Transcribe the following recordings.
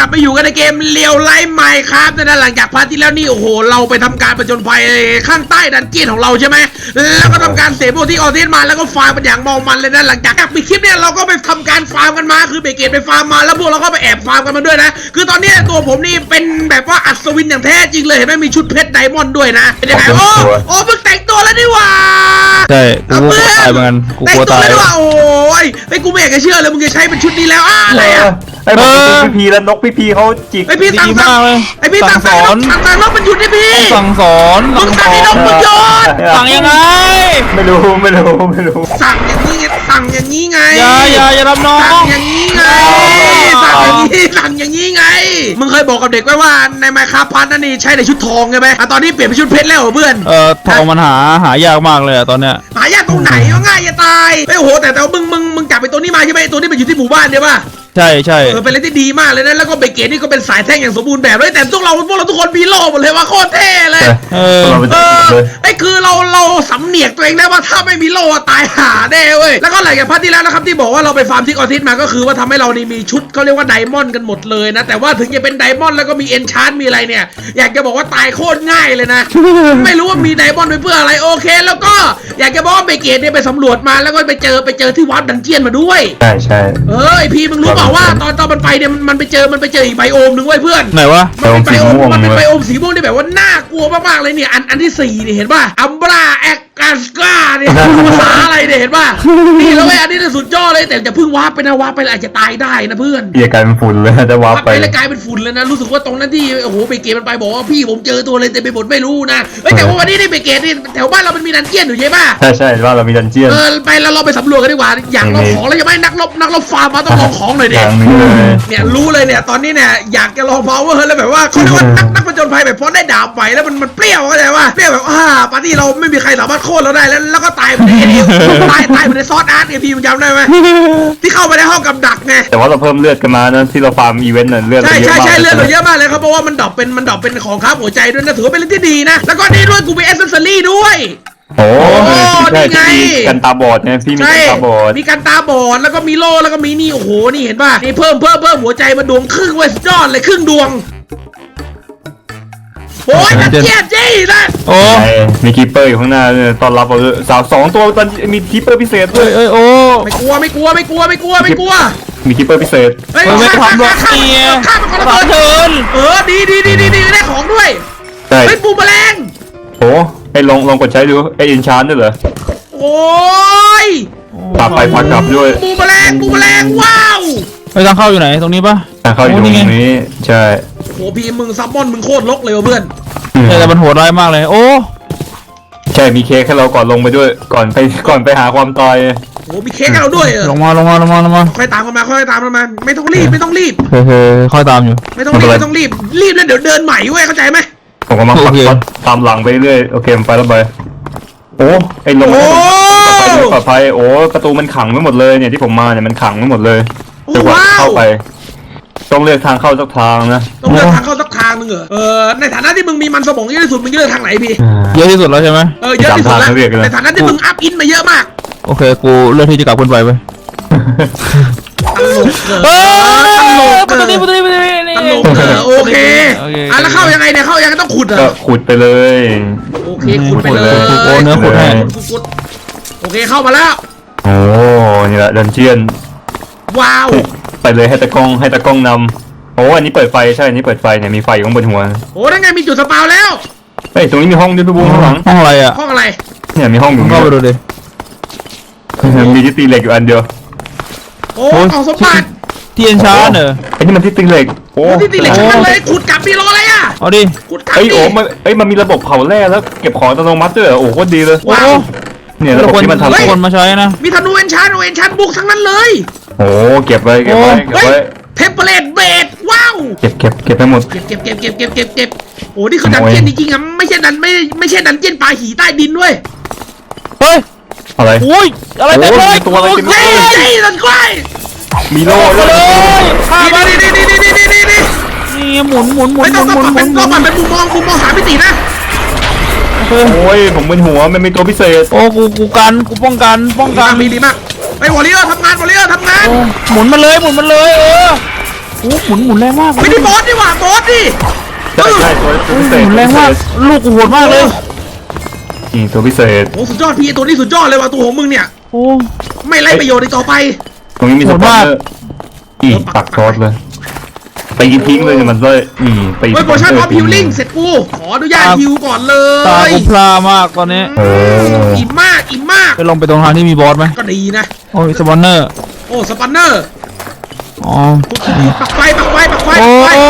ลับมาอยู่กันในเกมเลียวไลฟ์ไมค์ครับนะหลังจากพาร์ทที่แล้วนี่โอ้โหเราไปทำการประจนภัยข้างใต้ดันเจี้ยนของเราใช่ไหมแล้วก็ทำการเสพพวกที่ออทิสมาแล้วก็ฟาร์มเป็นอย่างเมามันเลยนะหลังจากปิดคลิปเนี่ยเราก็ไปทำการฟาร์มกันมาคือเบเกตไปฟาร์มมาแล้วพวกเราก็ไปแอบฟาร์มกันมาด้วยนะคือตอนนี้ตัวผมนี่เป็นแบบว่าอัศวินอย่างแท้จริงเลยเห็นไหมมีชุดเพชรไดมอนด์ด้วยนะเป็นยังไงโอ้เพิ่งแต่งตัวแล้วนี่หว่าใช่กูกลัวตายเหมือนกันกูกลัวตายว่าโอ้ยไอ้กูไม่อยากจะเชื่อเลยมึงจะใช้เป็นชุดนี้แล้วอะไรอ่ะไอ้พี่พีแล้วนกพี่เขาจิกไอ้พี่สั่งเลยไอ้พี่สั่งสอนนกมันหยุดดิพี่สั่งสอนมึงสั่งไอ้นกมันหยุดสั่งยังไงไม่รู้สั่งอย่างนี้ไงสั่งอย่างนี้ไงอย่ารับน้องสั่งอย่างนี้ไงสั่งอย่างนี้ไงมึงเคยบอกกับเด็กไว้ว่าในไมค์คราฟพันนั่นนี่ใช้ในชุดทองใช่ไหมตอนนี้เปลี่ยนเป็นชุดเพชรแล้วเพื่อนทองมันหายากมากเลยตอนเนี้ยหายากตรงไหนก็ง่ายจะตายไอ้โหแต่มึงจับไปตัวนี้มาใช่ไหมตัวนี้มันอยู่ที่หมู่บ้านใช่ปะใช่เป็นอะไรที่ดีมากเลยนะแล้วก็เบเกตนี่ก็เป็นสายแท่งอย่างสมบูรณ์แบบเลยแต่พวกเราทุกคนมีโล่หมดเลยว่าโคตรเท่เลยไอ้คือเราสำเนียกตัวเองได้ว่าถ้าไม่มีโล่ตายหาแน่เว้ยแล้วก็หลังจากพาร์ทที่แล้วนะครับที่บอกว่าเราไปฟาร์มทิกออทิสมาก็คือว่าทำให้เรานี่มีชุดเขาเรียกว่าไดมอนด์กันหมดเลยนะแต่ว่าถึงจะเป็นไดมอนด์แล้วก็มีเอนชาร์ตมีอะไรเนี่ยอยากจะบอกว่าตายโคตรง่ายเลยนะ ไม่รู้ว่ามีไดมอนด์ไปเพื่ออะไรโอเคแล้วก็อยากจะบอกว่าเบเกตเนี่ยไปสำรวจมาแล้วก็ไปเจอที่วัดดันเจียนมาด้วยใช่ไอพีมึงรู้เปล่าว่าตอนมันไปเนี่ยมันไปเจออีกไบโอมหนึ่งไว้เพื่อนไหนวะมันเป็นไบโอมสีม่วงที่แบบว่าน่ากลัวมากๆเลยเนี่ยอันที่4เนี่ยเห็นป่ะอัมบราแอกกาสกาเนี่ยภาษาอะไรเนี่ยเห็นป่ะนี่แล้วไอ้อันนี้สุดยอดเลยแต่จะพึ่งวาร์ปไปนะวาร์ปไปอาจจะตายได้นะเพื่อนกลายเป็นฝุ่นเลยจะวาร์ปไปแล้วกลายเป็นฝุ่นเลยนะรู้สึกว่าตรงนั้นที่โอ้โหเบเกตมันไปบอกว่าพี่ผมเจอตัวเลยแต่ไปหมดไม่รู้นะแต่ว่าวันนี้นี่เบเกตนี่แถวบ้านเรามันมีดันเจียนอยู่ใช่ป่ะใช่ว่าเรามีดันเจียนไปแล้วเราไปสำรวจกันดีกว่าอย่างเราของแล้วยังไม่นักรบฟาร์มมาต้องลองของหน่อยดิเนี่ยรู้เลยเนี่ยตอนนี้เนี่ยอยากจะลองพาวเวอร์แล้วแบบว่าเขาเรียกว่านักผจญภัยแบบพอได้ดาบไปแล้วมันเปรี้ยวเข้าใจว่าเปรี้ยวแบบปาร์ตี้เราไม่มีใครสามารถโค่นเราได้แล้วก็ตายไปในซอสอาร์ตเนี่ยพี่มึงจำได้ไหมที่เข้าไปในห้องกับดักไงแต่ว่าเราเพิ่มเลือดกันมานะที่เราฟาร์มอีเวนต์เลือดใช่เลือดเราเยอะมากเลยครับเพราะว่ามันดรอปเป็นของค้าหัวใจด้วยนะถือว่าเป็นเรื่องที่ดีนะแล้วก็นี่ด้วยกูมีเอเซนซอรี่ด้วยโอ้นี่ไงกันตาบอดเนี่ยพี่มีกันตาบอดมีกันตาบอดแล้วก็มีโล่แล้วก็มีนี่โอ้โหนี่เห็นป่ะนี่เพิ่มหัวใจมาดวงครึ่งเว้ยสุดยอดเลยครึ่งดวงโอ้ยนักเจี๊ยบจี้นะโอ้มีคีเปอร์อยู่ข้างหน้าตอนรับสาว2ตัวตอนมีคีเปอร์พิเศษด้วยโอ้ไม่กลัวมีคีเปอร์พิเศษไม่ทำหรอกเนี่ยข้ามมันก็ระเบิดดีได้ของด้วยเป็นปูแมลงโอ้ไอ้ลองกดใช้ดูไอ้อินชานด้วยเหรอโอ้ยปาไปพักกลับด้วยปูแมลงว้าวไปทางเข้าอยู่ไหนตรงนี้ปะทางเข้าอยู่ตรงนี้ใช่โหพี่มึงซับมอนมึงโคตรลกเลยเพื่อนแต่มันโหดร้ายมากเลยโอ้ใช่มีเค้กให้เราก่อนลงไปด้วยก่อนไปหาความตายโอ้มีเค้กให้เราด้วยลงมาค่อยตามกันมาไม่ต้องรีบค่อยตามอยู่ไม่ต้องรีบแล้วเดี๋ยวเดินใหม่เว้ยเข้าใจไหมผมก็มาตามหลังไปเรื่อยโอเคไปแล้วไปโอ้ไอ้ลงปลอดภัยโอ้ประตูมันขังไว้หมดเลยเนี่ยที่ผมมาเนี่ยมันขังไว้หมดเลยจะเข้าไปต้องเลือกทางเข้าสักทางนะต้องเลือกทางเข้าสักทางนึงเหรอในฐานะที่มึงมีมันสมองเยอะที่สุดมึงเลือกทางไหนพี่เยอะที่สุดแล้วใช่ไหมเยอะที่สุดแล้วในฐานะที่มึงอัพอินมาเยอะมากโอเคกูเลือกที่จะกลับขึ้นไปไปตลกโอเคแล้วเข้ายังไงเนี่ยเข้ายังต้องขุดเหรอขุดไปเลยโอเคขุดไปเลยโอ้เนื้อขุดให้โอเคเข้ามาแล้วโอ้นี่แหละดันเจียนว้าวไปเลยให้ตะกล้องนำโอ้อันนี้เปิดไฟใช่อันนี้เปิดไฟเนี่ยมีไฟอยู่ข้างบนหัวโอ้นั่นไงมีจุดสปาวแล้วเฮ้ยตรงนี้มีห้องด้วยพี่บูข้างหลังห้องอะไรอ่ะห้องอะไรเนี่ยมีห้องอยู่เข้าไปดูดิมีที่ตีเหล็กอยู่อันเดียวโอ้เอาสมบัติที่เอ็นชาร์เนอะไอ้นี่มันที่ตีเหล็กโอ้ที่ตีเหล็กทั้งเลยขุดกลับมีรออะไรอ่ะเอาดิขุดกลับโอ้มันมีระบบเผาแร่แล้วเก็บของอัตโนมัติด้วยโอ้โคตรดีเลยว้าวเนี่ยระบบที่มันทำคนมาใช้นะมีธนูเอ็นชาร์บุกทั้งนั้นเลยโอ้เก็บไว้เเทมเพลตเบดว้าวเก็บไปหมดเก็บโอ้นี่คือดันเจี้ยนจริงๆอ่ะไม่ใช่ดันเจี้ยนปลาหีใต้ดินด้วยเฮ้ยอะไรโอ้ยอะไรเต็มเลยตัวอะไรเต็มเลยดันกล้วยมีโล่เลยนี่หมุนไม่ต้องเป็นมุมมองหามิตินะโอ้ยผมเป็นหัวมันมีตัวพิเศษโอ้กูป้องกันมีดีมากไปวอลเลย์ทำงานหมุนมาเลยโอ้หมุนแรงมากไม่ได้บอสดีกว่าบอสดิใช่ใช่ตัวพิเศษหมุนแรงมากลูกกูโหดมากเลยนี่ตัวพิเศษโอ้สุดยอดพี่ตัวนี้สุดยอดเลยว่ะตัวของมึงเนี่ยโอ้ไม่ไร้ประโยชน์อีกต่อไปตรงนี้มีสโหดปอนมากเซอร์อีปักทอดเลยไปยิงทิ้งเลยเนี่ยมันเลยนี่ไปเฮ้ยโปรชั่นพร้อมฮิลลิ่งเสร็จกูขออนุญาตฮิวก่อนเลตาย กูพลามากตอนนี้อิ่มมากอิ่มมากไปลงไปตรงทางที่มีบอสไหมก็ดีนะโอ้ยสปอนเนอร์โอ้สปันเนอร์อ๋อปักไฟปักไฟปักไฟโอ้ปักไฟย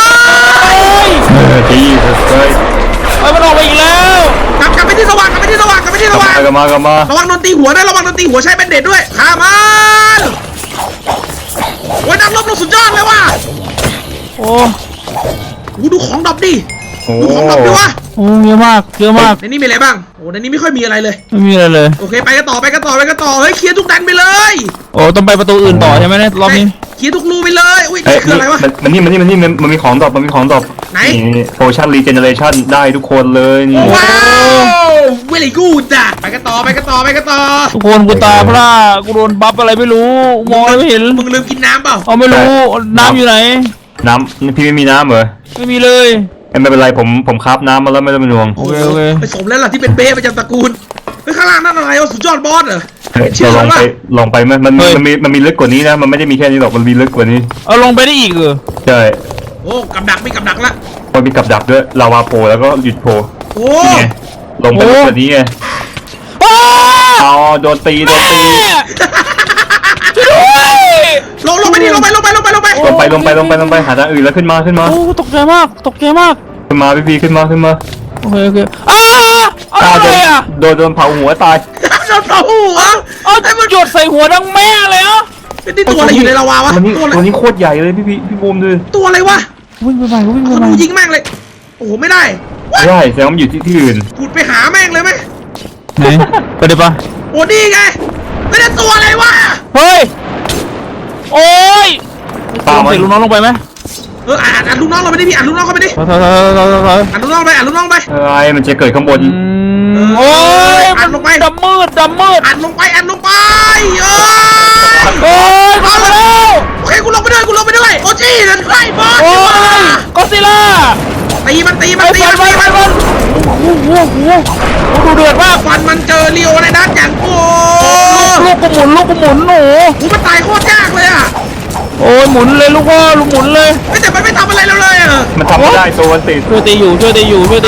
ดีเลยเฮ้ยมันออกไปอีกแล้วกลับไปที่สว่างกลับไปที่สว่างกลับไปที่สว่างกลับมาระวังโดนตีหัวนะระวังโดนตีหัวใช้แบนเด็ดด้วยขามันโอ้ยนักรบเราสุดยอดเลยว่ะโอ้กูดูของดรอปดิโอ้ดูของดรอปดิวะโอ้เยอะมากเยอะมากในนี้มีอะไรบ้างโอ้ในนี้ไม่ค่อยมีอะไรเลยไม่มีอะไรเลยโอเคไปกันต่อไปกันต่อไปกันต่อเฮ้ยเคลียร์ทุกดันไปเลยโอ้ต้องไปประตูอื่นต่อใช่ไหมเนี่ยรอบนี้เคลียร์ทุกรูไปเลยอุ้ยเอ้ยนี่คืออะไรวะมันนี่มันมีของดรอปมันมีของดรอปไหนนี่โพชั่นรีเจเนเรชั่นได้ทุกคนเลยนี่ว้าวเวลี่กูดอ่ะไปกันต่อไปกันต่อไปกันต่อทุกคนกูตาพร่ากูโดนบัฟอะไรไม่รู้มองอะไรไม่เห็นมึงลืมกินน้ำเปล่าเอาไม่รู้น้ำอยู่ไหนน้ำพี่ไม่มีน้ำเหรอไม่มีเลยไม่เป็นไรผมคราฟน้ำมาแล้วไม่ต้องเป็นห่วงโอเคโอเคไปสมแล้วล่ะที่เป็นเบ้ประจำตระกูลเฮ้ยข้างล่างนั่นอะไรวะสุดยอดบอสเหรอเชื่อเราแล้วลองไปไหมมันมีลึกกว่านี้นะมันไม่ได้มีแค่นี้หรอกมันมีลึกกว่านี้เอาลงไปได้อีกเหรอใช่โอ้กับดักไม่กับดักละมันมีกับดักด้วยลาวาโผล่แล้วก็หยุดโผล่โอ้นี่ไงลงไปลึกกว่านี้ไงอ้าเอาโดนตีแม่ช่วยด้วยลงไปดิลงไปลงไปหาทางอื่นแล้วขึ้นมาโอ้ตกใจมากตกใจมากขึ้นมาพี่ขึ้นมาโอเคโอเคอะไรอ่ะโดนเผาหัวตายโดนเผาหัวเอามันหยดใส่หัวดังแม่เลยอ่ะนี่ตัวอะไรอยู่ในลาวาวะตัวนี้โคตรใหญ่เลยพี่บูมดูตัวอะไรวะวิ่งไปใหม่วิ่งไปเขาใหม่ดูยิงแม่งเลยโอ้โหไม่ได้ใช่แสดงว่ามันอยู่ที่อื่นพูดไปหาแม่งเลยไหมไหนไปดิปะโอ้ดีไงไม่ได้ตัวอะไรวะเฮ้ยโอ้ยตามใส่ลูกน้องลงไปไหมอ่านลูกน้องเราไปดิพี่อ่านลูกน้องเขาไปดิถอยอ่านลูกน้องไปอ่านลูกน้องไปอะไรมันจะเกิดข้างบนโอ้ยอัดลงไปดำมืดอ่านลงไปอ่านลงไปเอโอ้ยมาแล้วโอเคกูลงไปด้วยโอจีนั่นใครบอสโอ้ยก็ซิล่าตีมันไปโอ้โหดูเดือดมากฟันมันเจอเลียวในด้านอย่างโอ้ลูกกูหมุนหนูกูมันตายโคตรยากเลยอ่ะโอ้ยหมุนเลยลูกพ่อลูกหมุนเลยแต่มันไม่ทำอะไรเราเลยอ่ะมันทำไม่ได้ตัวมันติดช่วยตีอยู่ตาย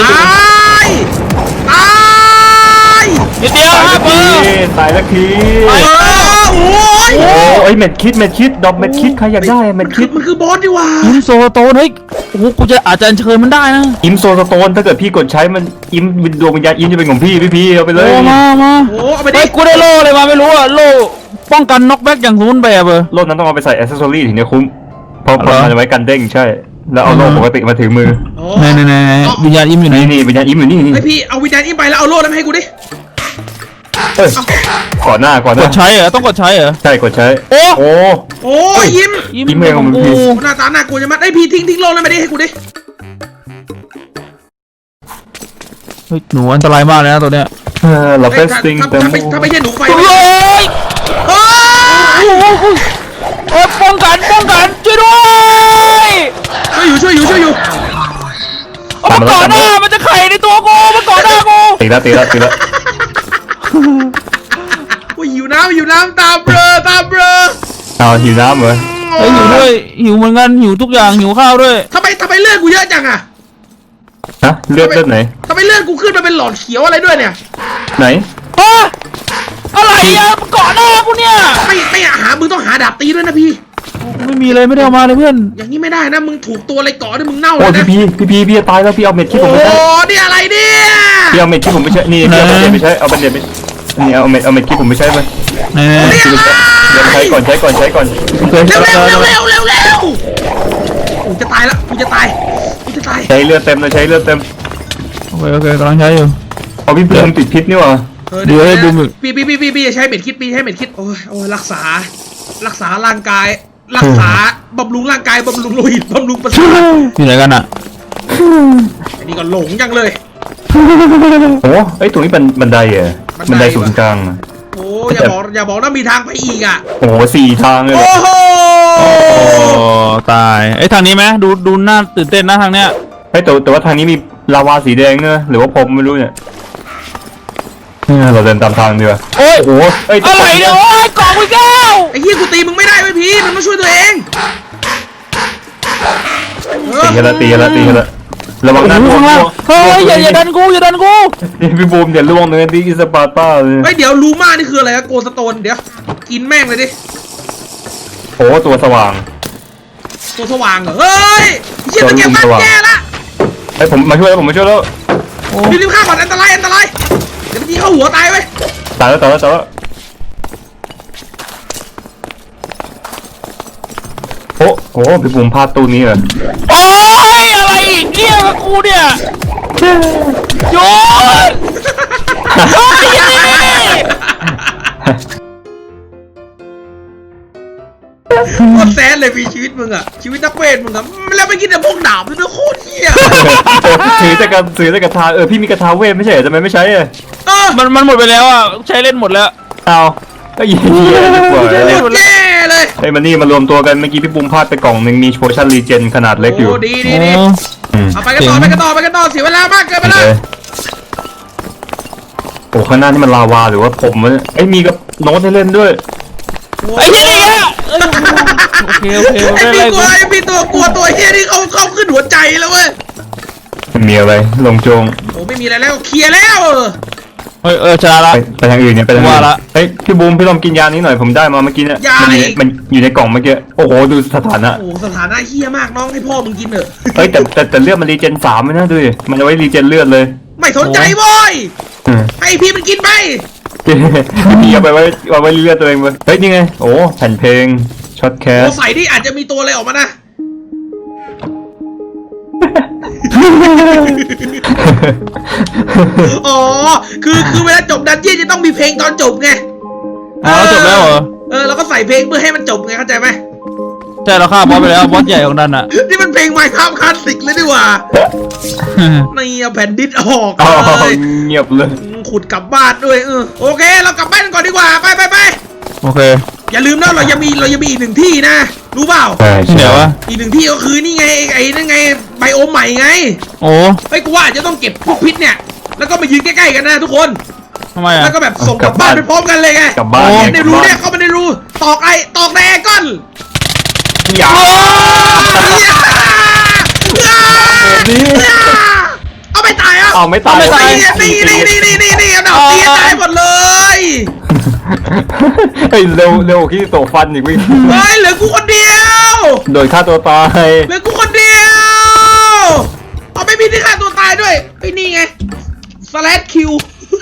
นิดเดียวตายฮะสักเบอทีร์ตายสักทีโอ้ยโอ้ยเม็ดคิดดอกเม็ดคิดใครอยากได้เม็ดคิดมันคือบอสดีว่าอิมโซโตนเฮ้ยโอ้โหกูจะอาจจะเชิญมันได้นะอิมโซสโตนถ้าเกิดพี่กดใช้มันอิมดวงวิญญาณอิมจะเป็นของพี่เอาไปเลยโอ้มาโอ้เอาไปดิเฮ้ยกูได้โล่เลยมาไม่รู้อะโล่ป้องกันน็อกแบ็กอย่างสมบูรณ์แบบเออโล่นั้นต้องเอาไปใส่อ c เซสซอรี่ถึงจะคุ้มเพราะเหรอมันจะไว้กันเด้งใช่ แล้วเอาโล่ปกติมาถือมือไหนวิญญาณอิมอยู่ไหนนี่วิญญาณอิมอยู่นี่ไอพี่เอาวิญญาณอิมไปแล้วเอาโล่นั้นให้กูดิเอ้ยก่อนหน้ากดใช้เหรอต้องกดใช้เหรอใช่กดใช้โอ้โอ้โอ้ยยิ้มอิมอิมเองของมึงกูพี่หน้าตาหน้ากลัวจะมัดไอพี่ทิ้งโล่นั้นไปดิให้กูดิเฮ้ยหนูอันตรายมากเลยนะตัวเนี้ยเราเฟสติ้งแต่ถ้าไม่ใช่หนูไฟโอ้ยเฮ้ยโอ้ยป้องกันช่วยด้วยช่วยอยู่เอามาก่อนหน้ามันจะไข่ในตัวกูมาก่อนหน้ากูตีแล้วโอ้ยหิวน้ำตาเบลอเอาหิวน้ำเหรอเฮ้ยหิวด้วยหิวเหมือนกันหิวทุกอย่างหิวข้าวด้วยทำไมเลือดกูเยอะจังอะฮะเลือดไหนทำไมเลือดกูขึ้นมาเป็นหลอดเขียวอะไรด้วยเนี่ยไหนฮะอะไรอะมาก่อนหน้ากูเนี่ยไม่หามึงต้องหาดาบตีด้วยนะพี่ไม่มีเลยไม่ได้เอามาเลยเพื่อนอย่างนี้ไม่ได้นะมึงถูกตัวอะไรก่อด้วยมึงเน่าเลโอ้ยยนะพี่จะตายแล้วพี่เอาเม็ดคิดโอ้ผมไม่ใช่นี่อะไรเนี่ยพี่เอาเม็ดคิดผมไม่ใช่นี่พี่เอาเม็ดไม่ใช่เอาเม็ดนี่เอาเม็ดคิดผมไม่ใช่ไหมไหนเดี๋ยวใช้ก่อนเร็วกูจะตายแล้วกูจะตายใช้เลือดเต็มเลยใช้เลือดเต็มโอเคกำลังใช้อยู่เอาพี่เพิ่มติดพิษนี่หว่าเดี๋ยวให้ดูมึงพี่ใช้เม็ดคิดโอ้ยรักษาร่างกายรักษาบำรุงร่างกายบำรุงโลหิตบำรุงประสาทอยู่ไหนกันอะอันนี้ก็หลงจังเลยโอ้ไอ้ตรงนี้เป็นบันไดเหรอบันไดศูนย์กลางโอ้อย่าบอกนะมีทางไปอีกอ่ะโอ้4 ทางเลยโอ้โหตายไอ้ทางนี้ไหมดูน่าตื่นเต้นนะทางเนี้ยเฮ้ยแต่ว่าทางนี้มีลาวาสีแดงเนอะหรือว่าผมไม่รู้เนี่ยเราเดินตามทางดีกว่าโอ้ยโอ้โหเอ้ยอะไรเนี่ยโอ้ยกล่องอีกแล้วไอ้เหี้ยกูตีมึงไม่ได้เว้ยพี่มันมาช่วยตัวเองตีกันละระวังนะข้างล่างเฮ้ยอย่าดันกูนี่พี่บูมเดี๋ยวล่วงเลยที่อิสปาร์ตาเลยเฮ้ยเดี๋ยวลูม่านี่คืออะไรอะโกสโตนเดี๋ยวกินแม่งเลยดิโอ้ตัวสว่างตัวสว่างเหรอเฮ้ยเหี้ยตะเกียบบ้านแกละเฮ้ยผมมาช่วยแล้วรีบๆข้ามก่อนอันตรายเดี๋ยวมันยิงเข้าหัวตายเว้ยตายแล้วโอ้โหพี่บูมพลาดตู้นี้เหรอโอ้ยอะไรอีกเนี่ยกับกูเนี่ยโยนโอ้ยยังไงโคตรแซนเลยพี่ชีวิตมึงอะชีวิตนักเวทมึงอะแล้วไปกินแต่พวกดาบด้วยนะโคตรเหี้ยถือแต่กระทาพี่มีกระทาเวทไม่ใช่เหรอทำไมไม่ใช้อ่ะมันหมดไปแล้วอ่ะใช้เล่นหมดแล้วเอาก็ยิงดีกว่าโคตรแย่เลยเฮ้ยมันนี่มารวมตัวกันเมื่อกี้พี่บูมพลาดไปกล่องหนึ่งมีโพชั่นรีเจนขนาดเล็กอยู่โอ้ดีอืมเอาไปกันต่อเสียเวลามากเกินไปแล้วโอ้ข้างหน้านี่มันลาวาหรือว่าผมวะเนี่ยไอ้ยมีกับโน้ตให้เล่นด้วยไอ้เหี้ยนี่อ่ะโอเคไอ้ไม่พี่เป็นไรตัวกลัวตัวเฮียนี่เขาขึ้นหัวใจแล้วเว้ยมีอะไรลงโจงโอ้ไม่มีอะไรแล้วเคลียร์แล้วเฮ้ยชนะละไปทางอื่นเนี่ยไปทางอื่ว่าน ละเฮ้ยพี่บูมพี่ลองกินยานี้หน่อยผมได้มาเมื่อกี้เนี่ยมันอยู่ในกล่องเมื่อกี้โอ้โหดูสถานะโอ้สถานะเฮียมากน้องให้พ่อมึงกินเถอะเฮ้ยแต่เลือดมันรีเจน3ไม่นะดูดิมันเอาไว้รีเจนเลือดเลยไม่สนใจโว้ยให้พี่มันกินไปพี่เอาไปไว้เลือดตัวเองเลยเฮ้ยนี่ไงโอ้แผ่นเพลงช็อตแคสโอ้ใส่ที่อาจจะมีตัวอะไรออกมานะอ๋อคือเวลาจบดันเจี้ยนจะต้องมีเพลงตอนจบไงจบแล้วเหรอเราก็ใส่เพลงเพื่อให้มันจบไงเข้าใจไหมใช่เราฆ่าบอสไปแล้วบอสใหญ่ของดันอ่ะนี่มันเพลงไมค์ครับคลาสสิกเลยดีกว่านี่เอาแผ่นดิสออกอ๋อเลยเงียบเลยขุดกลับบ้านด้วยโอเคเรากลับบ้านกันก่อนดีกว่าไปโอเคอย่าลืมนะเรายังมีอีกหนึ่งที่นะรู้เปล่าใช่ที่ไหนวะอีกหนึ่งที่ก็คือนี่ไงไอ้นั่นไงไบโอมใหม่ไงโอ้เฮ้ยกูว่าจะต้องเก็บพวกพิษเนี่ยแล้วก็มายืนใกล้ๆกันนะทุกคนทำไมอ่ะแล้วก็แบบส่งกลับบ้านไปพร้อมกันเลยไงกลับบ้านโอ้ไงในรูเนี่ยเข้ามาในรูตอกในแอร์ก้อนอย่าเอาไม่ตายอ่ะเอาไม่ตายนี่เอาดาบตีตายหมดเลยเฮ้ยเร็วที่โตฟันอีกวิ่งเฮ้ยเหลือกูคนเดียวโดยฆ่าตัวตายเหลือกูคนเดียวเอาไม่มีที่ฆ่าตัวตายด้วยไอ้นี่ไงสแลชคิว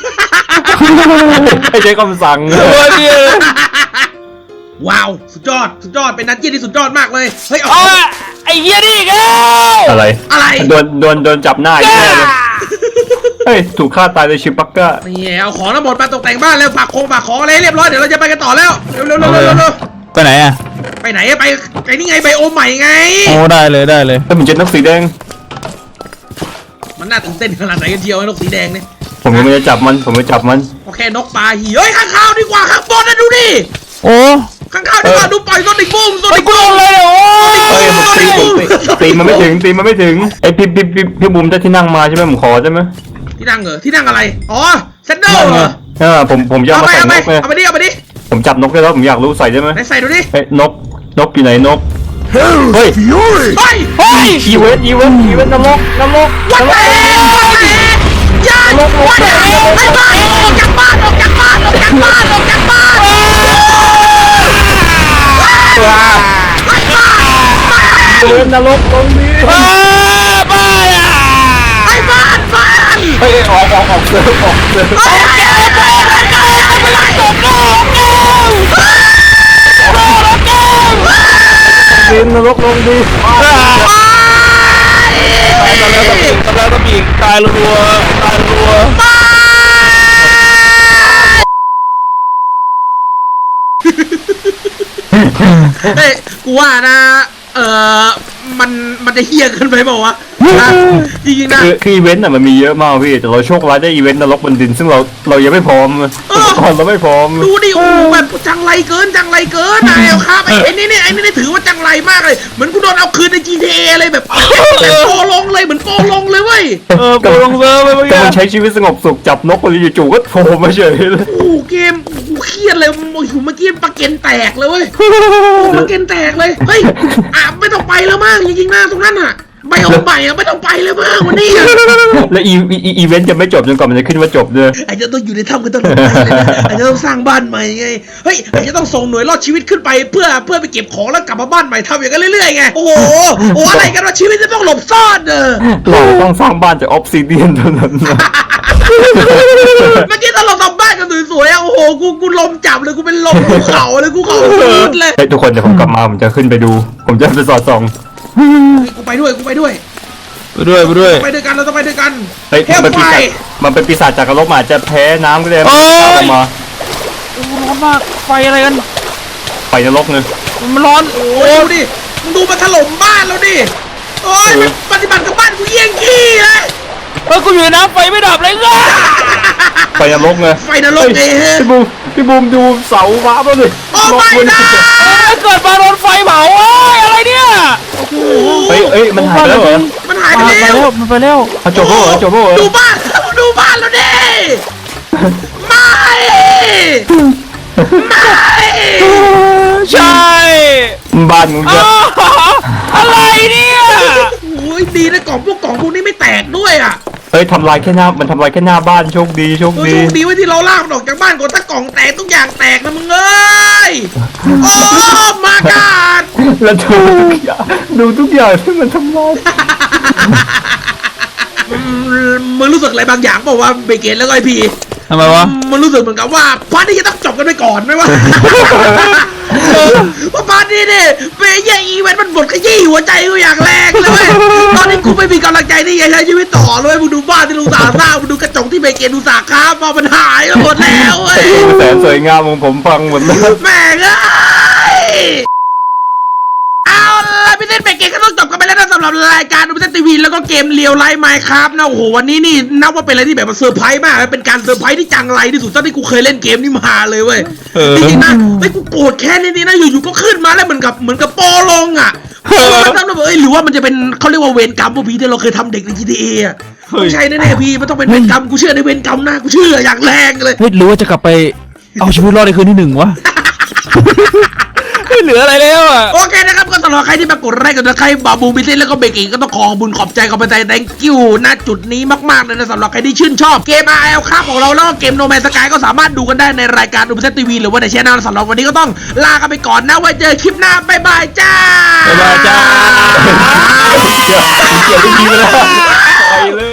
ไอ้เจ๊คำสั่งโอ้ยเนี่ยว้าวสุดยอดเป็นนัดเยี่ยที่สุดยอดมากเลยเฮ้ยเอาเอาอะไอ้เหี้ยนี่อีกแล้วอะไรอะไรโดนจับหน้าอีกแน่เลยเฮ้ยถูกฆ่าตายโดยชิปักก้านี่เอาของทั้งหมดมาตกแต่งบ้านแล้วฝากของอะไรให้เรียบร้อยเดี๋ยวเราจะไปกันต่อแล้วเร็วไปไหนอ่ะไปไหนอะไปไอ้นี่ไงไบโอมใหม่ไงโอ้ได้เลยเฮ้ยมันเจนนกสีแดงมันน่าตื่นเต้นขนาดไหนกันเชียวไอ้นกสีแดงเนี่ยผมยังไม่ได้จับมันโอเคนกปลาหีเฮ้ยข้างข้าวดีกว่าข้างบนนะดูดิโอ้ข้างข้าวดีกว่าดูปล่อยโซนิกบูมโซไอ้นิกกูบูลมงเลยโอ้เฮ้ยผมตีมันไม่ถึงไอ้พี่บุ๋มได้ที่นั่งมาใช่ไหมผมขอใช่ไหมที่นั่งเหรอที่นั่งอะไรอ๋อเซนเดอร์เหรอผมจะเอามาไปใส่นกเลยเอาไปดิผมจับนกได้แล้วผมอยากรู้ใส่ได้ไหมไหนใส่ดูดิเฮ้ยนกอยู่ไหนนกเฮ้ยเฮ้ยเฮ้ยอีเวนต์นรกวันไหนยันวันไหนไอ้บ้านออกจากบ้านอีเวนต์นรกตรงนี้บ้าอ่ะไอ้บ้านเฮ้ยออกเซิร์ฟไอ้อีเวนต์นรกลงดีกำลังต้องบีบตายรัวเฮ้ยกูว่านะมันจะเฮี้ยเกินไปเปล่าวะนะจริงๆนะคืออีเวนต์อ่ะมันมีเยอะมากพี่แต่เราโชคร้ายได้อีเวนต์นรกบนดินซึ่งเรายังไม่พร้อมอุปกรณ์เราไม่พร้อมดูดิโอ้แบบจังไรเกินนะเอลครับไอ้นี่ถือว่าจังไรมากเลยเหมือนกูโดนเอาคืนใน GTA เลยแบบโปลงเลยเหมือนโปลงเลยเว้ยโปรลงเซิร์ฟไปเมื่อแต่กี้มันใช้ชีวิตสงบสุขจับนกคนจู่ๆก็โผล่มาเฉยเลยโอ้เกมกูเครียดเลยโอ้โหเมื่อกี้ปลาเกนแตกเลยเว้ยปลาเกนแตกเลยเฮ้ยไม่ต้องไปแล้วมั้งจริงๆนะตรงนั้นอ่ะใบออกใหม่ไม่ต้องไปเลยมั้งวันนี้และอีเวนต์จะไม่จบจนกว่ามันจะขึ้นว่าจบเลยอาจจะต้องอยู่ในถ้ำกันตลอดไปเลยนะอาจจะต้องสร้างบ้านใหม่ไงเฮ้ยอาจจะต้องส่งหน่วยรอดชีวิตขึ้นไปเพื่อไปเก็บของแล้วกลับมาบ้านใหม่ทำอย่างนั้นเรื่อยๆไงโอ้โหอะไรกันว่าชีวิตจะต้องหลบซ่อนเด้อเราต้องสร้างบ้านจากออฟซิเดียนเท่านั้นนะเมื่อกี้ตอนเราทำบ้านกันสวยๆอ่ะโอ้โหกูลมจับเลยกูเป็นลมภูเขาเลยกูเขาสุดเลยเฮ้ยทุกคนเดี๋ยวผมกลับมาผมจะขึ้นไปดู ผมจะไปสอดส่องกูไปด้วยไปด้วยไปด้วยกันเราต้องไปด้วยกันเฮ้ยแค่มันเป็นปีศาจจากนรกมันอาจจะแพ้น้ำก็ได้โอ้ยตามออกมาโอ้ร้อนมากไฟอะไรกันไฟนรกเลยมันร้อนโอ้ยดูดิมึงดูมันถล่มบ้านเราดิโอ้ยมันปฏิบัติกับบ้านกูเยี่ยงขี้เลยกูอยู่ในน้ำไฟไม่ดับเลยง่ะไฟนรกไงไฟนรกเองพี่บูมดูเสาว้าบเลยโอ้ไม่นะเกิดมาโดนไฟเผาอะไรเนี่ยเฮ้ยมันหายไปแล้วเหรอมันหายไปแล้วมันไปแล้วจบแล้วเหรอจบแล้วเหรอดูบ้านเราดิไม่ไม่ใช่บ้านมึงจะอะไรเนี่ยโอ้ยดีนะกล่องพวกนี้ไม่แตกด้วยอ่ะเฮ้ยทำลายแค่หน้ามันทำลายแค่หน้าบ้านโชคดีโชคโอ้ยดีโชคดีไว้ที่เราลากมันออกจากบ้านก่อนถ้ากล่องแตกทุกอย่างแตกนะมึงเอ้ยโอ้มากาดแล้วดูทุกอย่างที่มันทำลายมึงรู้สึกอะไรบางอย่างเปล่าวว่าเบเกตแล้วก็ไอพีทำไมวะมันรู้สึกเหมือนกับว่าพาร์ทนี้จะต้องจบกันไปก่อนไหมวะว่าพาร์ทนี้เนี่ยเปย์ยี่อีเวนต์มันบดขยี้หัวใจกูอย่างแรงเลยเว้ยตอนนี้กูไม่มีกำลังใจที่จะใช้ชีวิตต่อเลยมึงดูบ้านที่ลุงสาสร้างมึงดูกระจกที่เบเกตดูสาค้ามามันหายไปหมดแล้วเว้ยแสนสวยงามของผมฟังหมดแล้วแม่งเอ้ยเอาล่ะพี่เต้นเบเกตก็ต้องจบกันไปแล้วนะสำหรับรายการดูพี่เต้นทีวีแล้วก็เกมเรียวไลฟ์ไมค์ครับนะโอ้โหวันนี้นี่นับว่าเป็นอะไรที่แบบว่าเซอร์ไพรส์มากเป็นการเซอร์ไพรส์ที่จังไรที่สุดเท่าที่กูเคยเล่นเกมนี้มาเลยเว้ยจริงๆนะไอ้กูโกรธแค่นี้นะอยู่ๆก็ขึ้นมาแล้วเหมือนกับโปลงอ่ะมันต้องแบบหรือว่ามันจะเป็นเขาเรียกว่าเวรกรรมพวกพี่ที่เราเคยทำเด็กใน GTA อ่ะไม่ใช่แน่ๆพี่มันต้องเป็นเวรกรรมกูเชื่อในเวรกรรมนะกูเชื่ออย่างแรงเลยเฮ้ยหรือว่าจะกลับไปเอาชีวิตรอดในคืนที่ 1วะ ไม่เหลืออะไรแล้วอ่ะโอเคนะครับก็สำหรับใครที่มากดไลค์กดติดตามบาบูมิเซ่แล้วก็เบกกิ้งก็ต้องขอบุญขอบใจขอบใจ thank you นะจุดนี้มากๆเลยนะสำหรับใครที่ชื่นชอบเกม RL ครับของเราแล้วก็เกม No Man's Sky ก็สามารถดูกันได้ในรายการดูมิเซ่ทีวีหรือว่าในช่องสำหรับวันนี้ก็ต้องลากันไปก่อนนะไว้เจอคลิปหน้าบ๊ายบายจ้าบ๊ายบายจ้าเกี่ยวไม่ดีไปแล้วไปเลย